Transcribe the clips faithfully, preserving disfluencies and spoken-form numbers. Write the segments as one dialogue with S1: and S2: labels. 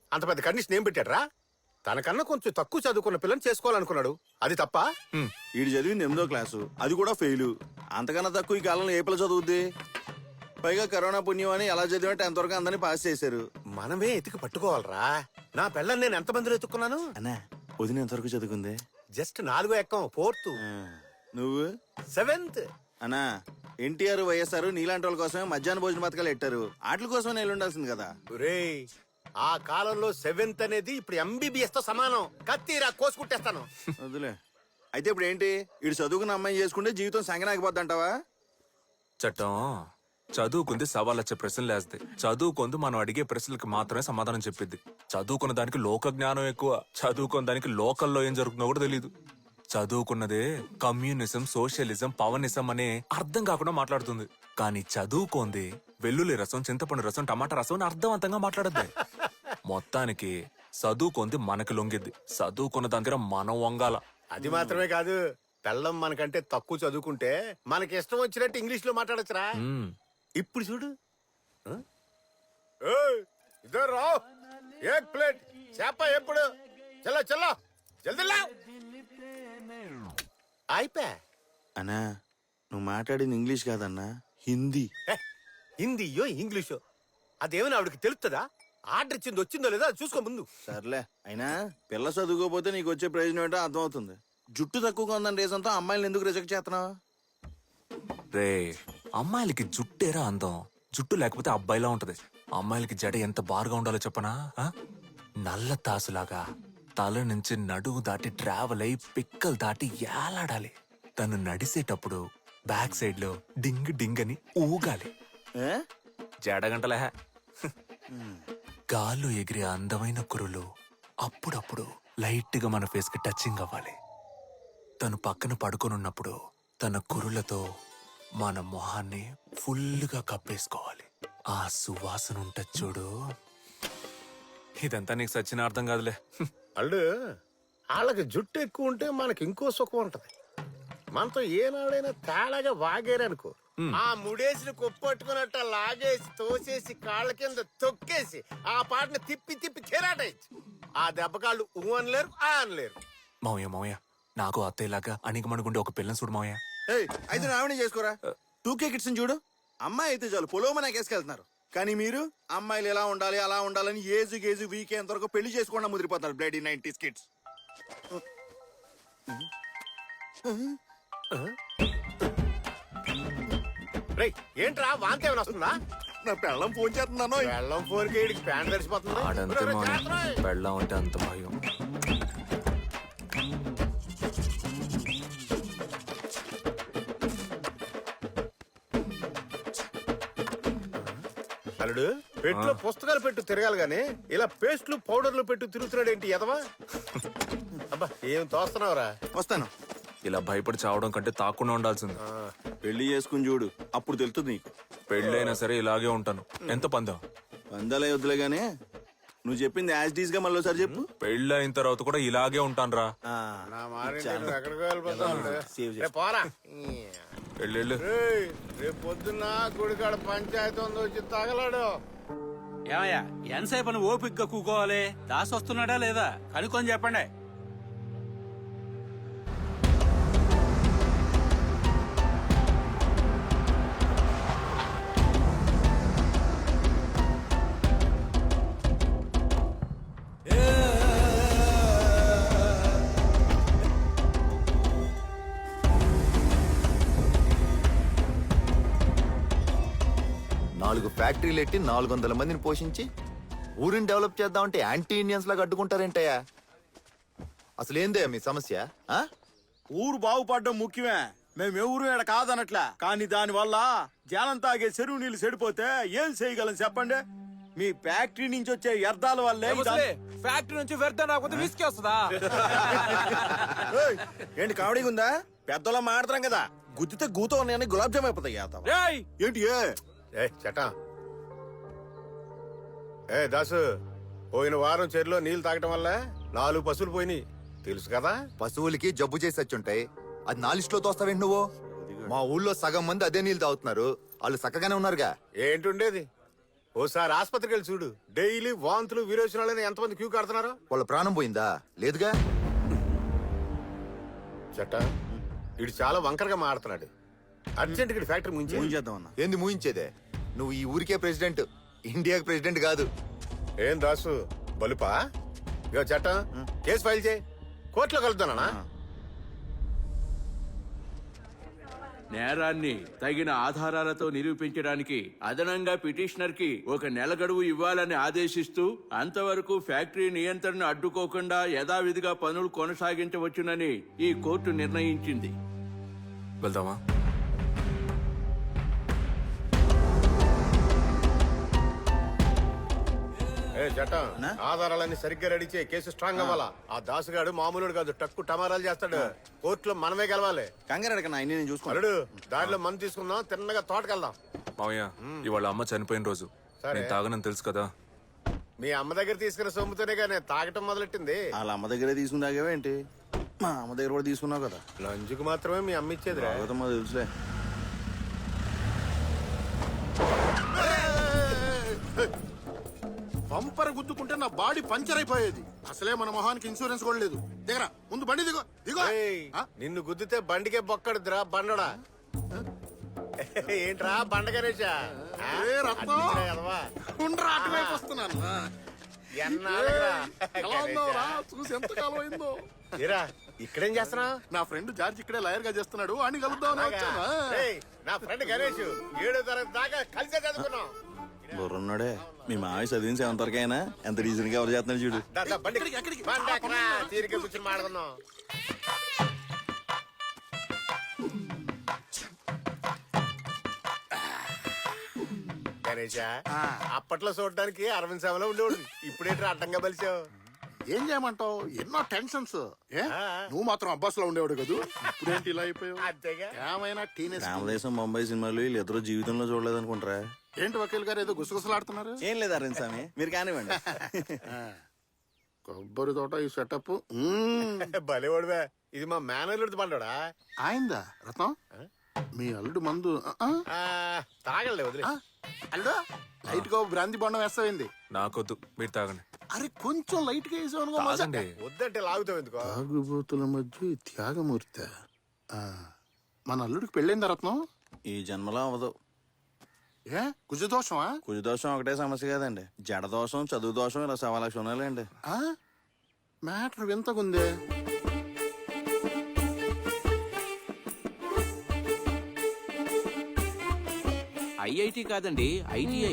S1: అంత పెద్ద కండిషన్ ఏం పెట్టాడ్రా? తనకన్నా కొంచెం తక్కువ చదువుకున్న పిల్లని చేసుకోవాలనుకున్నాడు, అది తప్ప?
S2: వీడు చదివింది ఎనిమిదో క్లాసు, అది కూడా ఫెయిల్. అంతకన్నా తక్కువ ఈ కాలంలో ఏ పిల్ల చదువుద్ది? పైగా కరోనా పుణ్యం అని ఎలా చదివా టెన్త్ వరకు అందరినీ పాస్ చేశారు.
S1: మనమే ఎతికి పట్టుకోవాలరా. నా పిల్లని నేను ఎంత మందిలో ఎత్తుకున్నాను?
S2: అన్నా వదిన ఎంతవరకు చదువుకుంది?
S1: జస్ట్ నాలుగో ఎక్కం, ఫోర్త్.
S2: నువ్వు?
S1: సెవెంత్.
S2: అన్నా ఎన్టీఆర్ వైఎస్ఆర్ నీలాంటి వాళ్ళ కోసమే మధ్యాహ్న భోజన పథకాలు పెట్టారు. వాటి కోసమే నేను ఉండాల్సింది కదా.
S1: రేయ్, ఆ కాలంలో సెవెంత్ అనేది ఇప్పుడు ఎంబీబీఎస్ తో సమానం. కత్తిరా కోసుకుంటేస్తాను.
S2: వదిలే. అయితే ఇప్పుడు ఏంటి? వీడు చదువుకున్న అమ్మాయి చేసుకుంటే జీవితం సంగనాగిపోద్ది అంటావా?
S3: చట్టం చదువుకుంది సవాల్ వచ్చే ప్రశ్నలు వేస్తాయి. చదువుకుంది మనం అడిగే ప్రశ్నలకు మాత్రమే సమాధానం చెప్పిద్ది. చదువుకున్న దానికి లోక జ్ఞానం ఎక్కువ. చదువుకున్న దానికి లోకల్లో ఏం జరుగుతుందో కూడా తెలియదు. చదువుకున్నదే కమ్యూనిజం, సోషలిజం, పవనిజం అనే అర్థం కాకుండా మాట్లాడుతుంది. కానీ చదువుకోంది వెల్లుల్లి రసం, చింతపండు రసం, టమాటా రసం అని అర్థవంతంగా మాట్లాడద్ది. మొత్తానికి చదువుకుంది మనకి లొంగిద్ది. చదువుకున్న దగ్గర మనం వంగాల.
S1: అది మాత్రమే కాదు, పెళ్ళం మనకంటే తక్కువ చదువుకుంటే మనకి ఇష్టం వచ్చినట్టు ఇంగ్లీష్ లో మాట్లాడచ్చురా. ఇప్పుడు చూడు, ఇద్దరు రావు ఏక్ ప్లేట్ చేప ఎప్పుడు చల్లో చల్లో జల్దీ అయిపోయా.
S2: అన్నా నువ్వు మాట్లాడింది ఇంగ్లీష్ కాదన్నా, హిందీ.
S1: హిందీయో ఇంగ్లీషో అదేమైనా ఆవిడకి తెలుస్తుందా? ఆర్డర్ ఇచ్చింది వచ్చిందో లేదా చూసుకో ముందు.
S2: సర్లే, అయినా పిల్ల చదువుకోపోతే నీకు వచ్చే ప్రయోజనం ఏంటో అర్థమవుతుంది. జుట్టు తక్కువగా ఉందని రీజన్తో అమ్మాయిలను ఎందుకు రిజెక్ట్ చేస్తున్నావు?
S3: రే, అమ్మాయిలకి జుట్టేరా అందం. జుట్టు లేకపోతే అబ్బాయిలా ఉంటది. అమ్మాయిలకి జడ ఎంత బారుగా ఉండాలో చెప్పనా? ఆ? నల్ల తాసులాగా తల నుంచి నడువు దాటి ట్రావెల్ అయి పిక్కలు దాటి ఏలాడాలి. తను నడిసేటప్పుడు బ్యాక్ సైడ్ లో డింగ్ డింగ్ అని ఊగాలి. జడగంటలే. గాల్లో ఎగిరే అందమైన కురులు అప్పుడప్పుడు లైట్ గా మన ఫేస్ కి టచింగ్ అవ్వాలి. తను పక్కన పడుకొనున్నప్పుడు తన కురులతో మన మొహాన్ని ఫుల్గా కప్పేసుకోవాలి. ఆ సువాసన ఉంటది చూడు. ఇదంతా నీకు సచ్చిన అర్థం కాదులే.
S1: అల్లు వాళ్ళకి జుట్టు ఎక్కువ ఉంటే మనకి ఇంకో సుఖం ఉంటది. మనతో ఏనాడైనా తేడాగా వాగేరనుకో, ఆ ముడేసిన కొప్పట్టుకున్నట్ట లాగేసి తోసేసి కాళ్ళ కింద తొక్కేసి ఆ పాటను తిప్పి తిప్పి కెరాటేయచ్చు. ఆ దెబ్బ కాళ్ళు ఊ అనలేరు, ఆ అనలేరు.
S3: మౌయ మౌయ నాకు అత్తయ్యలాగా అణిగమణుగుండే ఒక పిల్లని చూడు మౌయ.
S2: అయితే నావినే చేసుకోరా. టూ కే కిడ్స్ చూడు, అమ్మాయి అయితే చాలు పొలోమని ఎగేసుకెళ్తున్నారు. కానీ మీరు అమ్మాయిలు ఎలా ఉండాలి అలా ఉండాలని ఏజు గేజు వీకే ఎంతవరకు పెళ్లి చేసుకోకుండా ముదిరిపోతారు. Bloody nineties kids.
S1: రేయ్, ఏంట్రా వాంతి ఏమైనా వస్తుందా?
S2: నా పెళ్ళం ఫోన్ చేస్తున్నాను.
S1: వెళ్ళం ఫోన్ కేడికి ప్యాంట్ తడిసిపోతుంది.
S3: ఆడంతే మౌయ, పెళ్ళం అంటే అంత భయం.
S1: అల్లుడు, పెట్టులో పుస్తకాలు పెట్టు తిరగాలి గానీ ఇలా పేస్ట్లు పౌడర్లు పెట్టు తిరుగుతున్నాడు ఏంటి ఎదవా? అబ్బా ఏం తోస్తున్నావురా?
S2: వస్తాను.
S3: ఇలా భయపడి చావడం కంటే తాకుండా ఉండాల్సింది.
S2: పెళ్లి చేసుకుని చూడు, అప్పుడు తెలుస్తుంది నీకు.
S3: పెళ్ళైనా సరే ఇలాగే ఉంటాను. ఎంత పందం?
S2: వందలే వద్దులే గానీ నువ్వు చెప్పింది యాజ్ డీస్ గా మళ్ళీ ఒకసారి చెప్పు.
S3: పెళ్ళి అయిన తర్వాత కూడా ఇలాగే ఉంటాను రా.
S1: నా మారింటి నువ్వు ఎక్కడికి వెళ్ళిపోతావు? పోరా.
S3: వెళ్ళు.
S1: రేయ్, రేపు పొద్దున్న గుడికాడ పంచాయతీ ఉంది, వచ్చి తగలాడు.
S4: ఏమయ్యా ఎంతసేపు అని ఓపిగ్గా కూకోవాలి? దాసి వస్తున్నాడా లేదా కనుక్కొని చెప్పండి.
S5: నాలుగు ఫ్యాక్టరీలు ఎట్టి నాలుగు వందల మందిని పోషించి ఊరిని డెవలప్ చేద్దామంటే యాంటీ ఇండియన్స్ లాగా అడ్డుకుంటారేంటయ్యా? అసలు ఏందే మీ సమస్య? ఆ?
S2: ఊరు బాగుపడడం ముఖ్యమే. మేము ఎవరు ఇక్కడ కాదనట్లా, కానీ దాని వల్ల జనం తాగే చెరువు నీళ్లు చెడిపోతే ఏం చేయగలం చెప్పండి? మీ ఫ్యాక్టరీ నుంచి వచ్చే వ్యర్థాల వల్లే.
S6: ఫ్యాక్టరీ నుంచి వ్యర్థం రాకపోతే విసికి వస్తుందా?
S2: ఏంటి కామెడీగా ఉందా? పెద్దలో మాడతాం కదా, గుద్దితే గూతో ఉన్నాయని గులాబ్ జామ్ అయిపోతాయి. ఏంటి
S1: ఏ చటా, ఏ దాసు, పోయిన వారం చెరులో నీళ్లు తాగటం వల్ల నాలుగు పశువులు పోయినాయి తెలుసు కదా?
S5: పశువులకి జబ్బు చేసి వచ్చుంటాయి, అది నా లిస్ట్ లో తోస్తావేంటి నువ్వు? మా ఊళ్ళో సగం మంది అదే నీళ్ళు తాగుతున్నారు, వాళ్ళు చక్కగానే ఉన్నారుగా.
S1: ఏంటుండేది? ఓసారి ఆసుపత్రికి వెళ్ళి చూడు. డైలీ వాంతులు విరోచనాలని ఎంతమంది క్యూ కడుతున్నారు.
S5: వాళ్ళ ప్రాణం పోయిందా? లేదుగా.
S1: చట్ట ఇడు చాలా వంకరగా మాడుతున్నాడు. అర్జెంట్ గా ఫ్యాక్టరీ ముంచి
S2: ఏం చేద్దాం అన్న?
S5: ఏంది మూయించేదే? నువ్వు ఈ ఊరికే ప్రెసిడెంట్, ఇండియాకి ప్రెసిడెంట్ కాదు.
S1: ఏం దాసు బలుపా? ఇగో చట్ట కేసు ఫైల్ చేయి, కోర్టులో కలుద్దానా?
S4: నేరాన్ని తగిన ఆధారాలతో నిరూపించడానికి అదనంగా పిటిషనర్ కి ఒక నెల గడువు ఇవ్వాలని ఆదేశిస్తూ అంతవరకు ఫ్యాక్టరీ నియంత్రణను అడ్డుకోకుండా యథావిధిగా పనులు కొనసాగించవచ్చునని ఈ కోర్టు నిర్ణయించింది.
S3: వెళ్దామా?
S1: ఏ చట్టం ఆధారాలన్నీ సరిగ్గా రెడీ చేయి, కేసు స్ట్రాంగ్ అవ్వాలా. ఆ దాసుగాడు మామూలుడు కాదు, టక్కు టమారాలు చేస్తాడు. కోర్టులో మనమే గెలవాలి.
S2: కంగారు అడగ అన్ని నేను చూసుకోవాలి.
S1: అల్లుడు దారిలో మందు తీసుకుందాం, తిన్నగా తోటకెళ్దాం.
S3: మావయ్య, ఇవాళ అమ్మ చనిపోయిన రోజు.
S1: సరే.
S3: నేను తాగనని తెలుసు కదా.
S1: మీ అమ్మ దగ్గర తీసుకున్న సొమ్ముతోనే కానీ తాగటం మొదలెట్టింది.
S2: వాళ్ళ అమ్మ దగ్గరే తీసుకుందాగేవేంటి? మా అమ్మ దగ్గర కూడా తీసుకున్నావు కదా.
S1: లంచుకు మాత్రమే మీ అమ్మ ఇచ్చేది.
S2: భాగవతం తెలుసులే.
S7: బంపర్ గుద్దుకుంటే నా బాడీ పంచర్ అయిపోయేది. అసలే మన మొహానికి ఇన్సూరెన్స్ కూడా లేదు. దిగరా ముందు బండి దిగో దిగో. ఆ?
S1: నిన్ను గుద్దితే బండికే బొక్కడుద్దురా బండోడా. ఏంట్రా బండ గణేశా? ఆ?
S7: ఏ రత్నం?
S1: అడ్డించినా కదవా?
S7: ఉండ్రా, అటువైపు వస్తున్నాను. ఆ.
S1: ఎన్నాళ్ళురా?
S7: ఎలా ఉన్నావురా? చూసి ఎంత కాలం అయిందో.
S1: ఏరా ఇక్కడేం చేస్తున్నా?
S7: నా ఫ్రెండ్ జార్జ్ ఇక్కడే లాయర్ గా చేస్తున్నాడు. అని కలుద్దామని వచ్చాను. ఆ.
S1: నా ఫ్రెండ్ గణేష్ ఏడో తరగతి దాకా కలిసే చదువుకున్నాం.
S2: బుర్రున్నాడే. మీ మావి చదివిన సెవెంత్ వరకు అయినా ఎంత రీజన్ గా ఎవరు చేస్తున్నారు చూడు.
S1: దా, దా, బండి
S7: ఎక్కడికి, ఎక్కడికి?
S1: బండి ఎక్కరా? తీరిక కూర్చొని మాట్లాడుకుందాం. గణేషా, అప్పట్లో చూడడానికి అరవింద్ సభలో ఉండేవాడు. ఇప్పుడేంటి అడ్డంగా బలిచావు?
S7: ఏం చేయమంటావు? ఎన్నో టెన్షన్స్. ఏ
S1: ఆ.
S7: నువ్వు మాత్రం అబ్బాస్ లో ఉండేవాడు కదూ. ఇప్పుడేంటి ఇలా అయిపోయావు?
S1: అంతేగా.
S7: ఏమైనా టీనేజ్
S2: రామదేశం బొంబాయి సినిమాలు వీళ్ళు ఇద్దరు జీవితంలో చూడలేదు అనుకుంటారా?
S7: ఏంటి వకీల్ గారు ఏదో గుసగుసలాడుతున్నారు?
S2: ఏం లేదు అరవింద్ స్వామి, మీరు కానివ్వండి.
S7: కొబ్బరి తోట ఈ సెటప్
S1: భలేవాడువే. ఇది మా మేనల్లుడి బండోడా.
S7: ఆయిందా రత్నం? మీ అల్లుడు మందు ఆ, ఆ.
S1: ఆ, తాగలే వదిలే.
S7: ఆ, అల్లుడు లైట్ గా బ్రాంతి బండం వేస్తావేంది?
S3: నాకొద్దు, మీరు తాగండి.
S7: అరే కొంచెం లైట్ గా వేసావు అనుకో మజా.
S3: తాగండి.
S1: వద్దంటే లాగుతావు ఎందుకో?
S7: తాగుబోతుల మధ్య ఈ త్యాగమూర్తి. ఆ, మన అల్లుడికి పెళ్ళైందా రత్నం?
S2: ఈ జన్మలో అవ్వదు.
S7: ఏ కుజదోషమా?
S2: కుజదోషం ఒకటే సమస్య కాదండి, జడదోషం, చదువు దోషం, ఇలా సవా లక్ష ఉన్నాయండి.
S7: ఆ, మ్యాటర్ వింతకుందే.
S4: ఐఐటి కాదండి, ఐటీఐ.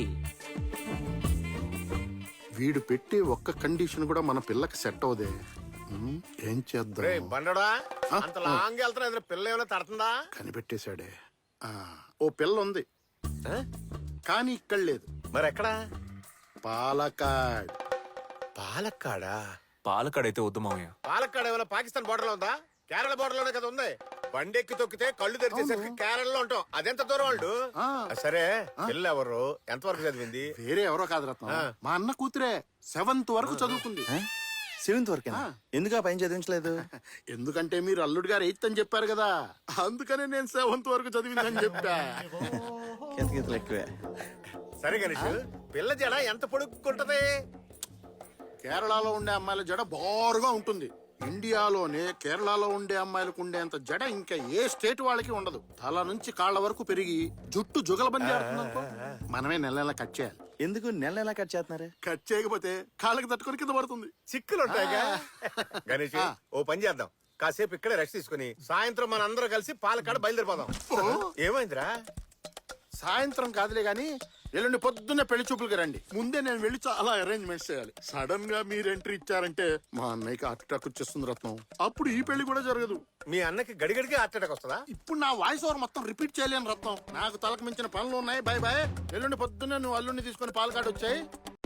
S7: వీడు పెట్టే ఒక్క కండిషన్ కూడా మన పిల్లకి సెట్ అవుదే. ఉమ్, ఏం
S1: రే
S7: చేద్దాం?
S1: బండోడా, అంత లాంగ్ వెళ్తున్నా ఎదురు పిల్ల ఏమైనా తడుతుందా?
S7: కనిపెట్టేశాడే. ఆ, ఓ పిల్ల ఉంది
S1: ఆ?
S7: కానీ ఇక్కడ లేదు.
S1: మరి ఎక్కడా?
S7: పాలకాడ్.
S1: పాలక్కాడా?
S3: పాలకాడైతే వద్దు మావయ్య.
S1: పాలక్కాడ ఏమైనా పాకిస్తాన్ బోర్డర్ లో ఉందా? కేరళ బోర్డర్ లోనే కదా ఉంది. బండి ఎక్కి తొక్కితే కళ్ళు తెరిచేసరికి కేరళలో ఉంటాం. అదెంత దూరం వాళ్ళు?
S7: ఆ.
S1: సరే పిల్ల ఎవరు, ఎంతవరకు చదివింది?
S7: వేరే ఎవరో కాదు రత్నం, మా అన్న కూతురే. సెవెంత్ వరకు చదువుకుంది.
S2: సెవెంత్ వరకు ఎందుకు ఆ పైన చదివించలేదు?
S7: ఎందుకంటే మీరు అల్లుడు గారు ఎయిత్ అని చెప్పారు కదా, అందుకనే నేను సెవెంత్ వరకు చదివిందని చెప్పా.
S2: కితకితలు ఎక్కువే.
S1: సరే గణేష్, పిల్ల జడ ఎంత పొడుక్కుంటది?
S7: కేరళలో ఉండే అమ్మాయిల జడ బారుగా ఉంటుంది. ఇండియాలోనే కేరళలో ఉండే అమ్మాయిలకు ఉండేంత జడ ఇంకా ఏ స్టేట్ వాళ్ళకి ఉండదు. తల నుంచి కాళ్ళ వరకు పెరిగి జుట్టు జుగలబంది ఆడుతుందనుకో, మనమే నెల నెల కట్ చేయాలి.
S2: ఎందుకు నెల నెలా కట్ చేస్తున్నారు?
S7: కట్ చేయకపోతే కాళ్ళకి తట్టుకొని కింద పడుతుంది.
S1: చిక్కులు ఉంటాయిగా. గణేష్ ఓ పని చేద్దాం, కాసేపు ఇక్కడే రెస్ట్ తీసుకుని సాయంత్రం మన అందరం కలిసి పాలకాడ బయలుదేరిపోదాం. ఏమైందిరా?
S7: సాయంత్రం కాదులే గాని ఎల్లుండి పొద్దున్నే పెళ్లి చూపులకి రండి. ముందే నేను వెళ్ళి చాలా అరేంజ్మెంట్స్ చేయాలి. సడన్ గా మీరు ఎంట్రీ ఇచ్చారంటే మా అన్నయ్యకి హార్ట్ అటాక్ వచ్చేస్తుంది రత్నం. అప్పుడు ఈ పెళ్లి కూడా జరగదు.
S1: మీ అన్నకి గడిగడికి హార్ట్ అటాక్ వస్తుందా?
S7: ఇప్పుడు నా వాయిస్ ఓవర్ మొత్తం రిపీట్ చేయలేను రత్నం. నాకు తలకు మించిన పనులు ఉన్నాయి. Bye bye. ఎల్లుండి పొద్దున్నే నువ్వు అల్లుండి తీసుకొని పాలకాడు వచ్చాయి.